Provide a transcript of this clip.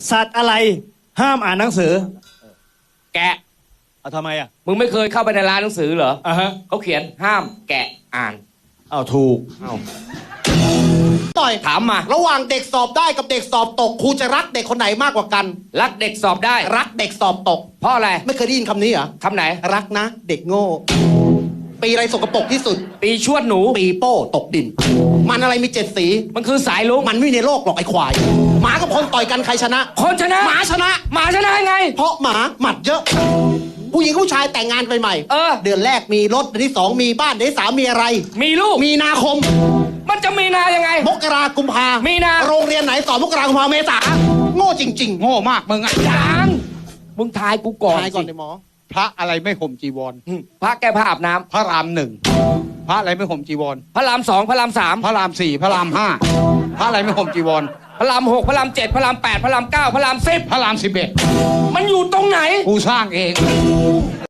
สัตว์อะไรห้ามอ่านหนังสือแกะเอาทำไมอ่ะมึงไม่เคยเข้าไปในร้านหนังสือเหรออ่ะฮะเขาเขียนห้ามแกะอ่านเอาถูกต่อยถามมาระหว่างเด็กสอบได้กับเด็กสอบตกครูจะรักเด็กคนไหนมากกว่ากันรักเด็กสอบได้รักเด็กสอบตกเพราะอะไรไม่เคยได้ยินคำนี้เหรอคำไหนรักนะ เด็กโง่ ปีอะไรสกปรกที่สุดปีชวดหนูปีโป้ตกดิน มันอะไรมี7 สีมันคือสายลุงมันไม่มีในโลกหรอกไอ้ควาย หมากับคนต่อยกันใครชนะคนชนะหมาชนะหมาชนะไงเพราะหมาหมัดเยอะ ผู้หญิงผู้ชายแต่งงานไปใหม่เออเดือนแรกมีรถเดือนที่ 2 มีบ้านเดือนที่ 3 มีอะไรมีลูกมีนาคมมันจะมีนายังไงมกรากุมภามีนาโรงเรียนไหนสอนมกรากุมภาเมษาโง่จริง ๆโง่มากมึงอ่ะยังมึงทายกูก่อนทายก่อนสิเลยหมอพระอะไรไม่ห่มจีวรพระแก้ผ้าอาบน้ำพระรามหนึ่งพระอะไรไม่ห่มจีวรพระรามสองพระรามสามพระรามสี่พระรามห้าพระอะไรไม่ห่มจีวรพระรามหกพระรามเจ็ดพระรามแปดพระรามเก้าพระราม10 พระราม11 มันอยู่ตรงไหนกูสร้างเอง